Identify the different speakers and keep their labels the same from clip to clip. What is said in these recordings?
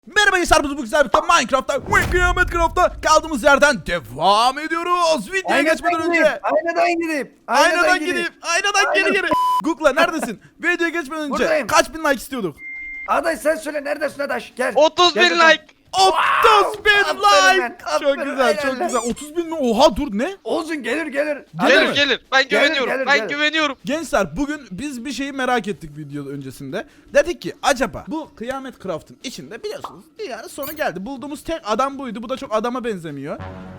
Speaker 1: Merhaba gençler, bu güzel bir Minecraft'ta ve Kıyamet kaldığımız yerden devam ediyoruz. Videoya geçmeden önce
Speaker 2: Aynadan gidip
Speaker 1: aynadan geri Google'a neredesin? Videoya geçmeden önce
Speaker 2: Buradayım.
Speaker 1: kaç bin like istiyorduk?
Speaker 2: Adaş sen söyle neredesin Adaş gel.
Speaker 3: 30 bin
Speaker 2: Gel bakalım.
Speaker 3: like.
Speaker 1: 30 bin
Speaker 2: aferin
Speaker 1: like.
Speaker 2: lan,
Speaker 1: Çok
Speaker 2: aferin,
Speaker 1: güzel, çok
Speaker 2: helal.
Speaker 1: güzel. 30 bin mi? Oha, dur, ne?
Speaker 2: Olsun gelir.
Speaker 1: Gelir
Speaker 3: Gelir
Speaker 1: mi?
Speaker 3: gelir. Ben
Speaker 2: Gelir,
Speaker 3: güveniyorum.
Speaker 2: gelir,
Speaker 3: ben
Speaker 2: gelir.
Speaker 3: güveniyorum.
Speaker 1: Gençler, bugün biz bir şeyi merak ettik video öncesinde. Dedik ki acaba bu Kıyamet Craft'ın içinde biliyorsunuz dünyanın sonu geldi. Bulduğumuz tek adam buydu. Bu da çok adama benzemiyor.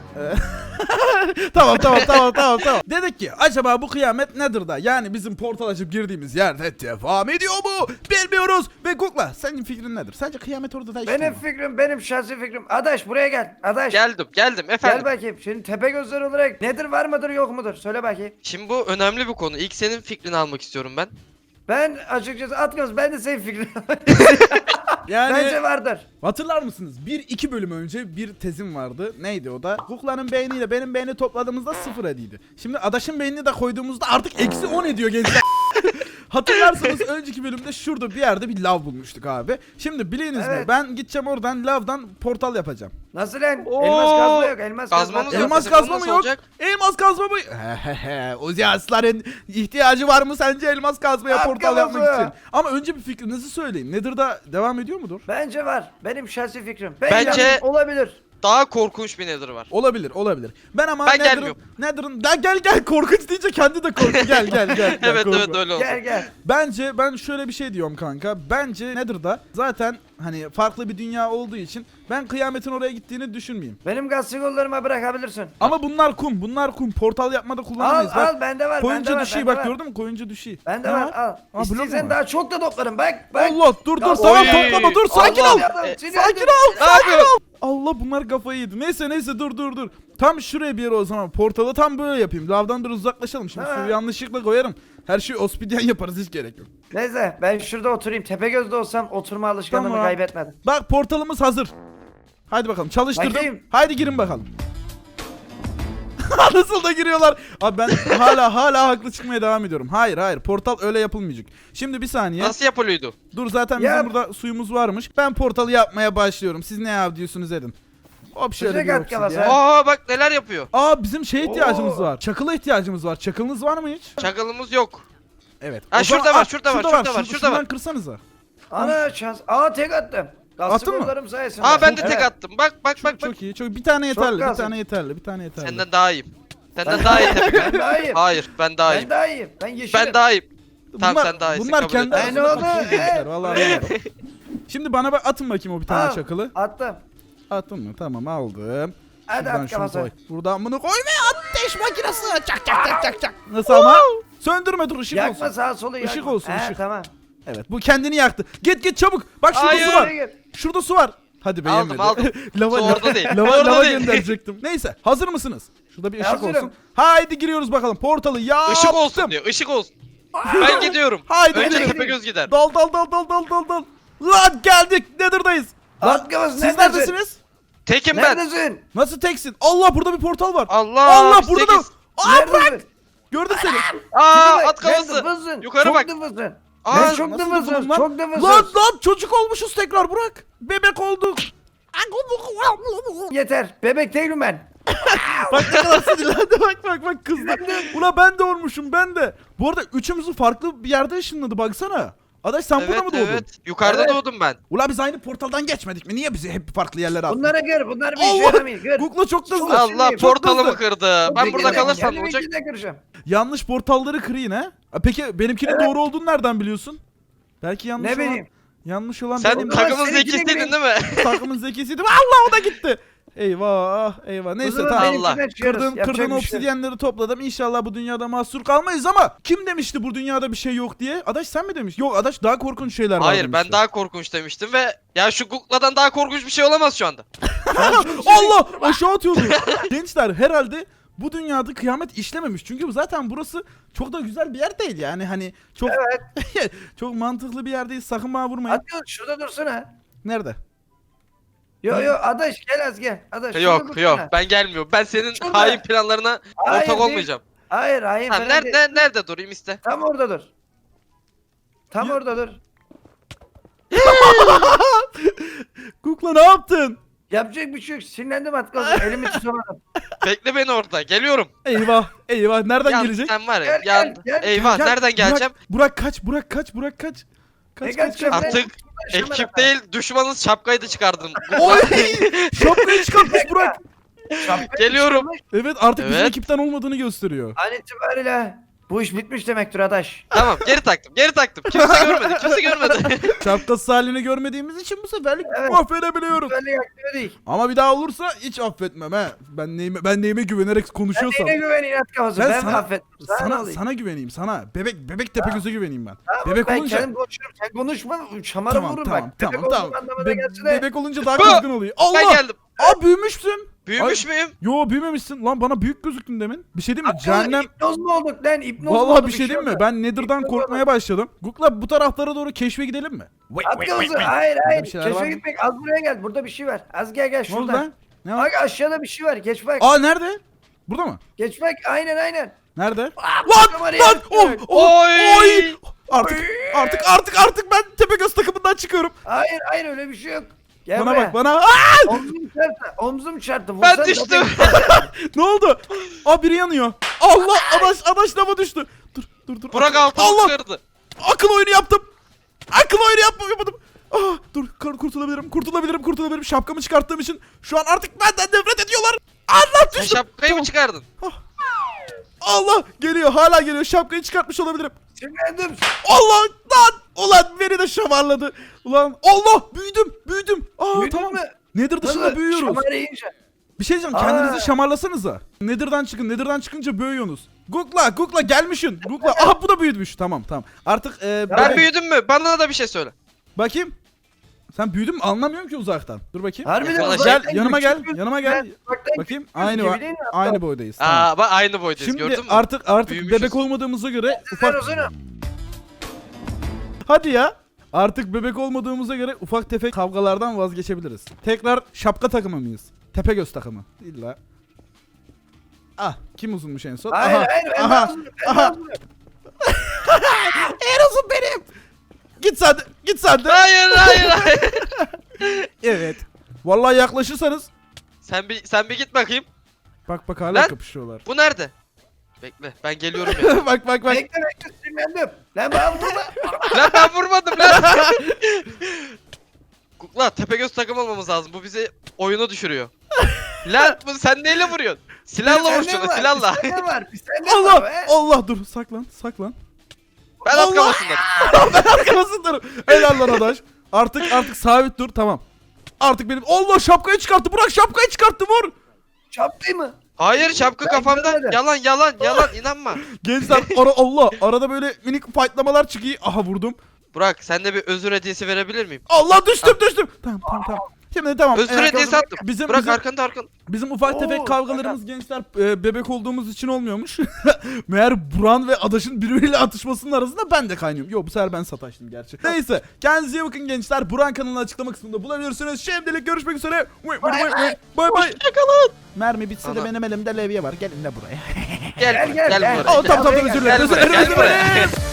Speaker 1: Tamam. Dedik ki acaba bu kıyamet nedir da? Yani bizim portal açıp girdiğimiz yerde devam ediyor mu? Bilmiyoruz. Ve Google'a senin fikrin nedir? Sence kıyamet orada da işte
Speaker 2: Benim
Speaker 1: mi?
Speaker 2: fikrim, benim şahsi fikrim. Adaş buraya gel. Adaş.
Speaker 3: Geldim
Speaker 2: Gel
Speaker 3: efendim.
Speaker 2: bakayım. Şimdi tepe gözler olarak nedir, var mıdır yok mudur? Söyle bakayım.
Speaker 3: Şimdi bu önemli bir konu. İlk senin fikrini almak istiyorum ben.
Speaker 2: Ben açıkçası Atgöz, ben de senin fikrin.
Speaker 1: Yani
Speaker 2: Bence vardır.
Speaker 1: hatırlar mısınız? 1-2 bölüm önce bir tezim vardı. Neydi o da? Google'ın beyniyle benim beyni topladığımızda 0 ediydi. Şimdi Adaş'ın beynini de koyduğumuzda artık -10 ediyor gençler. Hatırlarsanız önceki bölümde şurada bir yerde bir lav bulmuştuk abi. Şimdi biliniz mi?
Speaker 2: Evet.
Speaker 1: Ben gideceğim oradan lavdan portal yapacağım.
Speaker 2: Nasıl lan?
Speaker 3: Oo.
Speaker 2: Elmas kazma yok. Elmas
Speaker 3: Kazmamız
Speaker 2: kazma.
Speaker 3: yok.
Speaker 1: Elmas
Speaker 3: bizim
Speaker 1: kazma
Speaker 3: bu
Speaker 1: mı
Speaker 3: nasıl
Speaker 1: yok?
Speaker 3: olacak?
Speaker 1: Elmas kazma mı? Uzi Aslan'ın ihtiyacı var mı sence elmas kazmaya
Speaker 2: At
Speaker 1: portal
Speaker 2: kafası.
Speaker 1: yapmak için? Ama önce bir fikrinizi söyleyin. Nether'da devam ediyor mudur?
Speaker 2: Bence var. Benim şahsi fikrim.
Speaker 3: Bence-
Speaker 2: olabilir.
Speaker 3: Daha korkunç bir nether var.
Speaker 1: Olabilir. Ben ama
Speaker 3: Ben gelmiyorum.
Speaker 1: Nether'ın gel korkunç deyince kendi de korktu. Gel.
Speaker 3: Evet
Speaker 1: korkma.
Speaker 3: öyle olsun.
Speaker 2: Gel.
Speaker 1: Bence ben şöyle bir şey diyorum kanka. Bence Nether'da zaten hani farklı bir dünya olduğu için ben kıyametin oraya gittiğini düşünmeyeyim.
Speaker 2: Benim gaz sigorlarıma bırakabilirsin.
Speaker 1: Ama bunlar kum. Portal yapmada kullanamayız.
Speaker 2: Al bende var.
Speaker 1: Koyunca
Speaker 2: bende var,
Speaker 1: düşüyor,
Speaker 2: bende
Speaker 1: bak
Speaker 2: var.
Speaker 1: gördün mü? Koyunca düşüyor.
Speaker 2: Bende
Speaker 1: Ne
Speaker 2: var al.
Speaker 1: Aa, blok mu
Speaker 2: İsteysen
Speaker 1: var?
Speaker 2: daha çok da toplarım bak.
Speaker 1: Allah dur
Speaker 2: Ya,
Speaker 1: tamam
Speaker 3: oy.
Speaker 1: toplama dur, sakin
Speaker 3: Allah.
Speaker 1: ol. Sakin ol.
Speaker 3: Ne yapıyorsun?
Speaker 1: Allah, bunlar kafayı yedi. Neyse dur. Tam şuraya bir yere o zaman portalı tam böyle yapayım. Lavdan biraz uzaklaşalım. Şimdi
Speaker 2: Ha.
Speaker 1: suyu yanlışlıkla koyarım. Her şeyi obsidyen yaparız, hiç gerek yok.
Speaker 2: Neyse ben şurada oturayım. Tepegöz'de olsam oturma alışkanlığımı
Speaker 1: Tamam.
Speaker 2: kaybetmedim.
Speaker 1: Bak, portalımız hazır. Haydi bakalım, çalıştırdım.
Speaker 2: Bakayım.
Speaker 1: Haydi girin bakalım. Nasıl da giriyorlar. Abi ben hala haklı çıkmaya devam ediyorum. Hayır, portal öyle yapılmayacak. Şimdi bir saniye.
Speaker 3: Nasıl yapılıyordu?
Speaker 1: Dur, zaten
Speaker 2: Yap.
Speaker 1: bizim burada suyumuz varmış. Ben portalı yapmaya başlıyorum. Siz ne yapıyorsunuz edin. Hop, şöyle
Speaker 2: Sıcak
Speaker 1: bir
Speaker 2: at
Speaker 1: obsidyen.
Speaker 2: kafası.
Speaker 3: Aa bak neler yapıyor.
Speaker 1: Bizim ihtiyacımız
Speaker 2: Oo.
Speaker 1: var. Çakıla ihtiyacımız var. Çakılınız var mı hiç?
Speaker 3: Çakılımız yok.
Speaker 1: Evet.
Speaker 3: Ha,
Speaker 1: O zaman-
Speaker 3: şurada var,
Speaker 1: Aa,
Speaker 3: şurada var.
Speaker 1: Şuradan kırsanıza.
Speaker 2: Ana şans. Tek attım. Gaz
Speaker 1: Attın mı?
Speaker 2: sigorlarım sayesinde.
Speaker 3: Aa ben de
Speaker 2: Evet.
Speaker 3: tek attım. Bak.
Speaker 1: Çok iyi. Bir tane yeterli.
Speaker 2: gaz.
Speaker 1: Bir tane yeterli.
Speaker 3: Senden daha iyiyim. Senden daha iyi tabii.
Speaker 2: Ben daha iyiyim.
Speaker 3: Hayır ben daha iyiyim.
Speaker 2: Ben daha iyiyim. Ben yeşilim.
Speaker 3: Ben daha iyiyim. Tamam sen daha iyisin.
Speaker 1: Bunlar
Speaker 3: kabul
Speaker 1: kendi
Speaker 3: ederim.
Speaker 2: Ne
Speaker 1: arasında
Speaker 2: oldu?
Speaker 1: kapışıyor gençler, vallahi billahi. Şimdi bana atın bakayım o bir tane
Speaker 2: Al,
Speaker 1: çakılı.
Speaker 2: Attım.
Speaker 1: Attın mı? Tamam, aldım.
Speaker 2: Hadi
Speaker 1: Şuradan
Speaker 2: at
Speaker 1: şunu
Speaker 2: kafası.
Speaker 1: koy. Buradan bunu koy ve ateş makinesi. Çak. Nasıl ama? Söndürme, dur, ışık
Speaker 2: Yakma
Speaker 1: olsun.
Speaker 2: sağa solu yakma.
Speaker 1: Işık olsun, ışık.
Speaker 2: Tamam.
Speaker 1: Evet, bu kendini yaktı. Git çabuk. Bak şurada
Speaker 3: Hayır.
Speaker 1: su var.
Speaker 2: Gir.
Speaker 1: Şurada su var. Hadi be,
Speaker 3: Aldım,
Speaker 1: yemedi.
Speaker 3: aldım.
Speaker 1: lava,
Speaker 3: Su orada değil.
Speaker 1: lava
Speaker 3: Orada değil.
Speaker 1: gönderecektim. Neyse, hazır mısınız? Şurada bir ışık
Speaker 2: Hazırım.
Speaker 1: olsun. Haydi giriyoruz bakalım. Portalı yaptım.
Speaker 3: Işık olsun diyor. Işık olsun. Ben gidiyorum.
Speaker 1: Haydi
Speaker 3: Önce
Speaker 1: gidelim.
Speaker 3: Tepegöz gider.
Speaker 1: Dal. Lan geldik. Nether'dayız. Lan
Speaker 2: At kafası,
Speaker 1: siz
Speaker 2: neredesin?
Speaker 1: neredesiniz?
Speaker 3: Tekim ben.
Speaker 2: Neredesin?
Speaker 1: Nasıl teksin? Allah, burada bir portal var.
Speaker 3: Allah, biz
Speaker 1: burada da.
Speaker 3: tekiz.
Speaker 1: Aa, bırak.
Speaker 2: Neredesin?
Speaker 1: Gördüm seni.
Speaker 3: Aa
Speaker 2: Tipe bak,
Speaker 3: at kafası.
Speaker 2: ben dıfılsın.
Speaker 3: Yukarı
Speaker 2: Çok
Speaker 3: bak.
Speaker 2: dıfılsın.
Speaker 3: Aa,
Speaker 2: Ben çok
Speaker 1: Nasıl
Speaker 2: dıfılsın.
Speaker 1: dıfılım lan?
Speaker 2: Çok dıfılsın.
Speaker 1: Lan çocuk olmuşuz tekrar, bırak. Bebek olduk.
Speaker 2: Yeter. Bebek değilim ben.
Speaker 1: Bak ne kadar sinirlendi, bak kızdı. Ula ben de olmuşum, ben de. Bu arada üçümüzü farklı bir yerde ışınladı, baksana. Adaş sen burada
Speaker 3: Evet
Speaker 1: mı doğdun?
Speaker 3: evet. Yukarıda
Speaker 2: Evet.
Speaker 3: doğdum ben.
Speaker 1: Ula biz aynı portaldan geçmedik mi? Niye bizi hep farklı yerlere attın?
Speaker 2: Bunlara gör. Bunlar bir işe
Speaker 1: Allah!
Speaker 2: yaramıyor. Gör.
Speaker 1: Google'a çok hızlı.
Speaker 2: Allah!
Speaker 3: Allah
Speaker 2: Çok
Speaker 3: portalımı
Speaker 1: hızlı.
Speaker 3: kırdı. Ben burada kalırsam ne olacak?
Speaker 2: Kıracağım.
Speaker 1: Yanlış portalları kırayım ha. Peki benimkinin doğru olduğunu nereden biliyorsun? Belki yanlış
Speaker 2: Ne
Speaker 1: olan...
Speaker 2: bileyim.
Speaker 1: Yanlış olan
Speaker 3: Sen
Speaker 1: benim.
Speaker 2: Takım-
Speaker 3: takımın
Speaker 2: seninkine
Speaker 3: zekisiydin
Speaker 2: gireyim.
Speaker 3: değil mi?
Speaker 1: Takımın zekisiydi. Allah, o da gitti. Eyvah. Neyse,
Speaker 2: zaman
Speaker 1: tamam.
Speaker 3: Allah.
Speaker 2: benimkinden çıkarız.
Speaker 1: Kırdığım
Speaker 2: Yapacak bir şey yok.
Speaker 1: obsidyenleri topladım. İnşallah bu dünyada mahsur kalmayız ama kim demişti bu dünyada bir şey yok diye? Adaş sen mi demiş? Yok, Adaş daha korkunç şeyler var
Speaker 3: Hayır
Speaker 1: demişti.
Speaker 3: ben daha korkunç demiştim ve ya şu Google'dan daha korkunç bir şey olamaz şu anda.
Speaker 1: Allah, aşağı atıyordu. Gençler, herhalde bu dünyada kıyamet işlememiş. Çünkü zaten burası çok da güzel bir yer değil yani. Hani çok çok mantıklı bir yer değil. Sakın bana vurmayın.
Speaker 2: Hadi şurada dursana.
Speaker 1: Nerede?
Speaker 2: Yo Adaş gel az gel. Adaş şurada
Speaker 3: Yok
Speaker 2: dursana.
Speaker 3: ben gelmiyorum. Ben senin
Speaker 2: Şurada.
Speaker 3: hain planlarına
Speaker 2: Hayır,
Speaker 3: ortak
Speaker 2: değil.
Speaker 3: olmayacağım.
Speaker 2: Hayır
Speaker 3: Ha,
Speaker 2: falan değil.
Speaker 3: nerede durayım iste.
Speaker 2: Tam orada dur. Tam orada dur.
Speaker 1: Kukla ne yaptın?
Speaker 2: Yapacak bir şey yok. Sinirlendim az kalsın. Elimi tutamadım.
Speaker 3: Bekle beni orada. Geliyorum.
Speaker 1: Eyvah eyvah nereden
Speaker 3: Yan,
Speaker 1: gelecek?
Speaker 3: sen var ya.
Speaker 2: Gel,
Speaker 3: Yan.
Speaker 2: gel.
Speaker 3: Eyvah
Speaker 1: Gel,
Speaker 3: nereden geleceğim?
Speaker 1: Burak kaç Burak kaç Burak kaç.
Speaker 2: Ne
Speaker 1: Kaç
Speaker 2: kaçacağım?
Speaker 1: kaç.
Speaker 3: Artık ekip değil düşmanın şapkayı da çıkardım.
Speaker 1: Oy! Şapkayı çıkartmış Burak.
Speaker 3: Geliyorum.
Speaker 1: Evet artık bizim
Speaker 3: Evet.
Speaker 1: ekipten olmadığını gösteriyor.
Speaker 2: An itibariyle bu iş bitmiş demektir adaş.
Speaker 3: Tamam geri taktım. Geri taktım. Kimse görmedi. Kimse görmedi.
Speaker 1: Şapkası halini görmediğimiz için bu seferlik
Speaker 2: Evet.
Speaker 1: affedebiliyoruz.
Speaker 2: Böyle yakıyor değil.
Speaker 1: Ama bir daha olursa hiç affetmem he. Ben neyime güvenerek
Speaker 2: Ben
Speaker 1: konuşuyorsam.
Speaker 2: neyine güven inat kafası.
Speaker 1: Ben
Speaker 2: Ben
Speaker 1: sana-
Speaker 2: affettim.
Speaker 1: Sana güveneyim sana. Bebek Tepegöz'e güveneyim ben.
Speaker 2: Tamam,
Speaker 1: Bebek
Speaker 2: ben
Speaker 1: olunca
Speaker 2: kendim konuşurum. Sen konuşma. Şamara
Speaker 1: tamam
Speaker 2: vururum
Speaker 1: tamam
Speaker 2: bak.
Speaker 1: tamam
Speaker 2: Bebek
Speaker 1: tamam.
Speaker 2: olduğum anlamına
Speaker 1: Be-
Speaker 2: gelse de.
Speaker 1: bebek olunca daha kızgın oluyor.
Speaker 3: Ben
Speaker 1: Allah!
Speaker 3: geldim.
Speaker 1: Aa büyümüşsün.
Speaker 3: Büyümüş müyüm?
Speaker 1: Yo büyümemişsin. Lan bana büyük gözüktün demin. Bir şey değil mi?
Speaker 2: Akıllı
Speaker 1: Cehennem.
Speaker 2: İpnoz mu olduk lan? İpnoz mu
Speaker 1: Vallahi
Speaker 2: olduk?
Speaker 1: bir şey değil mi?
Speaker 2: oldu.
Speaker 1: Ben Nether'dan
Speaker 2: İpnoz
Speaker 1: korkmaya başladım. Gukla bu taraflara doğru keşfe gidelim mi?
Speaker 2: Akıllısı. Hayır hayır.
Speaker 1: bir şeyler var
Speaker 2: Keşfe
Speaker 1: mı?
Speaker 2: gitmek. Az buraya gel. Burada bir şey var. Az gel gel
Speaker 1: Ne oldu
Speaker 2: şurada.
Speaker 1: lan? Ne var?
Speaker 2: Bak aşağıda bir şey var. Geç bak.
Speaker 1: Aa nerede? Burada mı?
Speaker 2: Geç bak. Aynen.
Speaker 1: Nerede?
Speaker 2: Lan!
Speaker 1: Lan!
Speaker 3: Oy!
Speaker 1: Oy! Artık ben Tepegöz takımından çıkıyorum.
Speaker 2: Hayır öyle bir şey yok. Gel
Speaker 1: Bana
Speaker 2: buraya.
Speaker 1: bak bana. Aa!
Speaker 2: Omzum çarptı.
Speaker 3: Ben
Speaker 2: Vursan
Speaker 3: düştüm.
Speaker 1: Ne oldu? Aa biri yanıyor. Allah adaş lava düştü. Dur.
Speaker 3: Burak
Speaker 1: Allah!
Speaker 3: altını kırdı.
Speaker 1: Akıl oyunu yaptım. Akıl oyunu yapmadım. Ah, dur kurtulabilirim. Şapkamı çıkarttığım için şu an artık benden nefret ediyorlar. Allah
Speaker 3: Sen
Speaker 1: düştüm.
Speaker 3: şapkayı
Speaker 1: Tamam.
Speaker 3: mı çıkardın?
Speaker 1: Allah geliyor hala geliyor. Şapkayı çıkartmış olabilirim.
Speaker 2: Sinirlendim.
Speaker 1: Allah lan. Ulan beni de şamarladı. Ulan Allah büyüdüm. Aa
Speaker 2: Büyüdün
Speaker 1: tamam.
Speaker 2: mü?
Speaker 1: Nether dışında
Speaker 2: Nasıl?
Speaker 1: büyüyoruz.
Speaker 2: Şamar yiyince.
Speaker 1: Bir şey diyeceğim
Speaker 2: Aa.
Speaker 1: kendinizi şamarlasanıza. Nether'dan çıkınca büyüyorsunuz. Gukla gelmişsin. Gukla aha bu da büyüdmüş. Tamam. Artık
Speaker 3: Ben büyüdüm mü? Bana da bir şey söyle.
Speaker 1: bakayım. Sen büyüdün mü? Anlamıyorum ki uzaktan. Dur bakayım.
Speaker 2: Harbiden
Speaker 3: Gel,
Speaker 2: uzaktan
Speaker 1: yanıma gel.
Speaker 2: küçük
Speaker 1: Yanıma gel.
Speaker 2: gözüküyor. Uzaktan
Speaker 1: Bakayım.
Speaker 2: küçük gözüküyor, değil mi?
Speaker 1: Aynı boydayız. Tamam.
Speaker 3: Aa bak aynı boydayız
Speaker 1: Şimdi
Speaker 3: gördün mü?
Speaker 1: artık
Speaker 3: Büyümüşüz.
Speaker 1: bebek olmadığımıza göre
Speaker 2: Ben
Speaker 1: ufak
Speaker 2: uzunum.
Speaker 1: hadi ya. Artık bebek olmadığımıza göre ufak tefek kavgalardan vazgeçebiliriz. Tekrar şapka takımı mıyız? Tepegöz takımı. İlla. Ah kim uzunmuş en son?
Speaker 2: Hayır ben
Speaker 1: aha,
Speaker 2: uzunum.
Speaker 1: aha. En uzun benim. Git sen de.
Speaker 3: Hayır.
Speaker 1: Evet. Vallahi yaklaşırsanız.
Speaker 3: Sen bir git bakayım.
Speaker 1: Bak hala
Speaker 3: Lan.
Speaker 1: kapışıyorlar.
Speaker 3: Bu nerede? Bekle ben geliyorum ya.
Speaker 1: bak.
Speaker 2: Bekle sinirlendim. Lan bana vurma.
Speaker 3: Lan ben vurmadım lan. Kukla Tepegöz takım olmamız lazım. Bu bizi oyuna düşürüyor. Lan bu sen neyle vuruyorsun? Silahla vur şunu silahla.
Speaker 2: Bir sende var. Bir sende var. be.
Speaker 1: Allah dur saklan.
Speaker 3: Ben
Speaker 1: Allah!
Speaker 3: at kafasındayım.
Speaker 1: Ben arkasındayım. Helal lan adaş. Artık sabit dur tamam. Artık benim Allah şapkayı çıkarttı. Burak şapkayı çıkarttı vur.
Speaker 2: Çaptı mı?
Speaker 3: Hayır şapka
Speaker 2: Ben
Speaker 3: kafamda.
Speaker 2: görmedim.
Speaker 3: Yalan inanma.
Speaker 1: Gençler arada böyle minik fightlamalar çıkıyor. Aha vurdum.
Speaker 3: Burak sen de bir özür hediyesi verebilir miyim?
Speaker 1: Allah düştüm. Tamam. Şimdi tamam.
Speaker 3: Özür hediyesi attım.
Speaker 1: Bizim
Speaker 3: Burak arkanda.
Speaker 1: bizim ufak tefek
Speaker 2: Oo,
Speaker 1: kavgalarımız gençler bebek olduğumuz için olmuyormuş. Meğer Buran ve Adaş'ın birbiriyle atışmasının arasında ben de kaynıyorum. Yok bu sefer ben sataştım gerçi. Neyse kendinize iyi bakın gençler. Buran kanalının açıklama kısmında bulabilirsiniz. Şimdilik görüşmek üzere. Bay bay. Mermi bitse de
Speaker 3: Ana.
Speaker 1: benim elimde levye var. Gelin de buraya.
Speaker 3: Gel
Speaker 2: Gel.
Speaker 3: buraya.
Speaker 1: Tamam özür dilerim.
Speaker 3: Gel buraya, gel buraya.